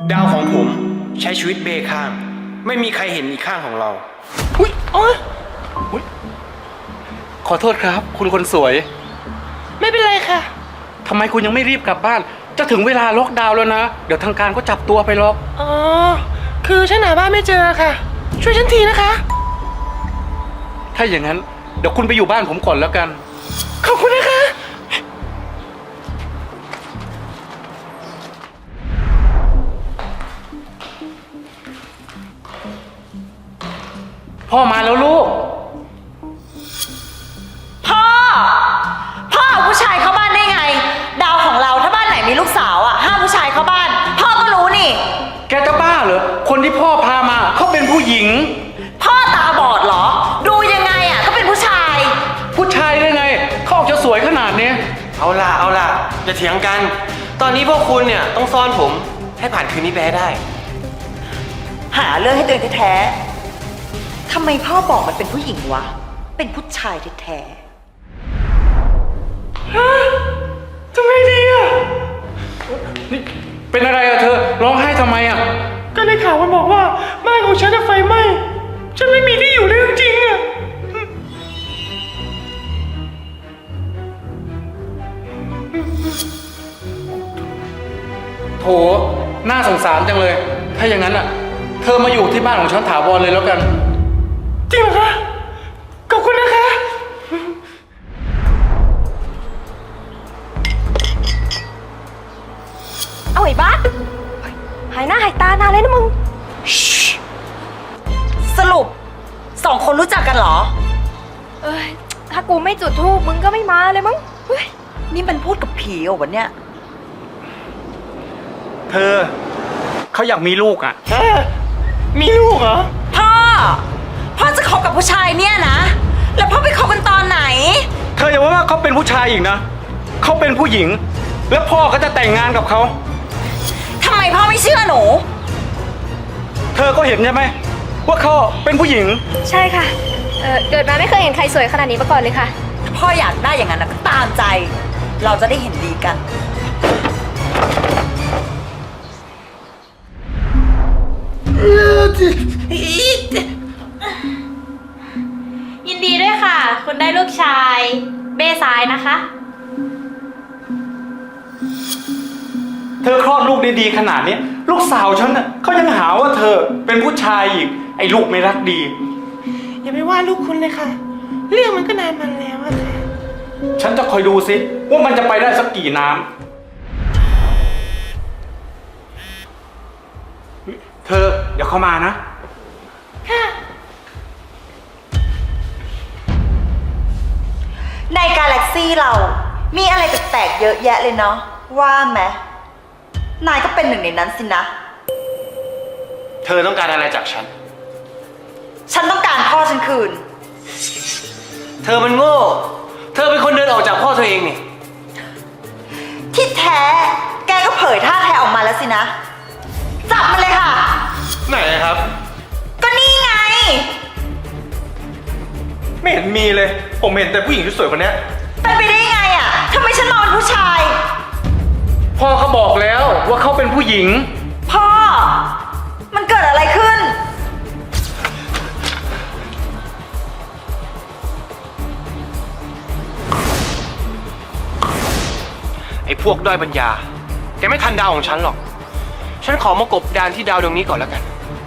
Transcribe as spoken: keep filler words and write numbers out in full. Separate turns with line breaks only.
ดาวของผมใช้ชีวิตเบข้างไม่มีใครเห็นอีกข้างของเรา
อุ้ยอ๋ออุ๊ยขอโทษครับ คุณคนสวย
ไม่เป็นไรค่ะ
ทำไมคุณยังไม่รีบกลับบ้าน จะถึงเวลาล็อกดาวน์แล้วนะ เดี๋ยวทางการก็จับตัวไปหรอก
อ๋อ คือฉันหาบ้านไม่เจอค่ะ ช่วยฉันทีนะคะ
ถ้าอย่างนั้นเดี๋ยวคุณไปอยู่บ้านผมก่อนแล้วกัน
ขอบคุณนะคะ
พ่อมาแล้วลูก
พ่อ พ่อเอาผู้ชายเข้าบ้านได้ไง ดาวของเราถ้าบ้านไหนมีลูกสาวอ่ะห้ามผู้ชายเข้าบ้าน พ่อก็รู้นี่
แกจะบ้าเหรอ คนที่พ่อพามาเขาเป็นผู้หญิง
พ่อตาบอดเหรอ ดูยังไงอ่ะก็เป็นผู้ชาย
ผู้ชายได้ไง เขาออกจะสวยขนาดนี้
เอาล่ะเอาล่ะอย่าเถียงกัน ตอนนี้พวกคุณเนี่ยต้องซ่อนผมให้ผ่านคืนนี้ไปให้ได้
หาเรื่องให้ตัวเองแท้ๆทำไมพ่อบอกมันเป็นผู้หญิงวะ เป็นผู้ชายแท้
ทำไงดีอ่ะ
นี่เป็นอะไรอะเธอ ร้องไห้ทำไมอะ
ก็ได้ข่าวมันบอกว่าบ้านของฉันจะไฟไหม้ ฉันไม่มีที่อยู่เลยจริงๆอ่ะ
โถ น่าสงสารจังเลย ถ้าอย่างนั้นอะเธอมาอยู่ที่บ้านของฉันถาวรเลยแล้วกัน
จริงเหรอคะ ขอบคุณนะคะ
เอาไอ้บ้าหายหน้าหายตานานเลยนะมึง
ๆ สรุปสองคนรู้จักกันเหรอ
เอ้ย ถ้ากูไม่จุดธูปมึงก็ไม่มาเลยมั้งเฮ้ย
นี่มันพูดกับผีเหรอวันเนี้ย
เธอ เขาอยากมีลูกอะ
ฮะ มีลูกเหรอ
พ่อ พ่อจะคบกับผู้ชายเนี่ยนะ แล้วพ่อไปคบกันตอนไหน
เธออย่าว่าเขาเป็นผู้ชายอีกนะ เขาเป็นผู้หญิง แล้วพ่อก็จะแต่งงานกับเขา
ทำไมพ่อไม่เชื่อหนู
เธอก็เห็นใช่ไหมว่าเขาเป็นผู้หญิง
ใช่ค่ะ เออเกิดมาไม่เคยเห็นใครสวยขนาดนี้มาก่อนเลยค่ะ
ถ้าพ่ออยากได้อย่างนั้นนะก็ตามใจ เราจะได้เห็นดีกัน
ยินดีด้วยค่ะ คุณได้ลูกชายเบ้ซ้ายนะคะ
เธอคลอดลูกได้ดีขนาดนี้ ลูกสาวฉันน่ะเขายังหาว่าเธอเป็นผู้ชายอีก ไอ้ลูกไม่รักดี
อย่าไปว่าลูกคุณเลยค่ะ เรื่องมันก็นานมาแล้วอะค่ะ
ฉันจะคอยดูสิว่ามันจะไปได้สักกี่น้ำเธอเดี๋ยวเข้ามานะ
ในกาแล็กซี่เรา มีอะไรแปลกๆเยอะแยะเลยเนาะ ว่าไหมนายก็เป็นหนึ่งในนั้นสินะ
เธอต้องการอะไรจากฉัน
ฉันต้องการพ่อฉันคืน
เธอมันโง่ เธอเป็นคนเดินออกจากพ่อเธอเองนี่
ที่แท้ แกก็เผยท่าแท้ออกมาแล้วสินะ จับมันเลยค่ะ
ไหนครับ
ก็นี่ไง
ไม่เห็นมีเลย ผมเห็นแต่ผู้หญิงที่สวยคนนี้
เป็นไปได้ไงอ่ะทำไมฉันมองเป็นผู้ชาย
พ่อเขาบอกแล้วว่าเขาเป็นผู้หญิง
พ่อ มันเกิดอะไรขึ้น
ไอ้พวกด้อยปัญญา แกไม่ทันดาวของฉันหรอก ฉันขอมากบดานที่ดาวดวงนี้ก่อนแล้วกัน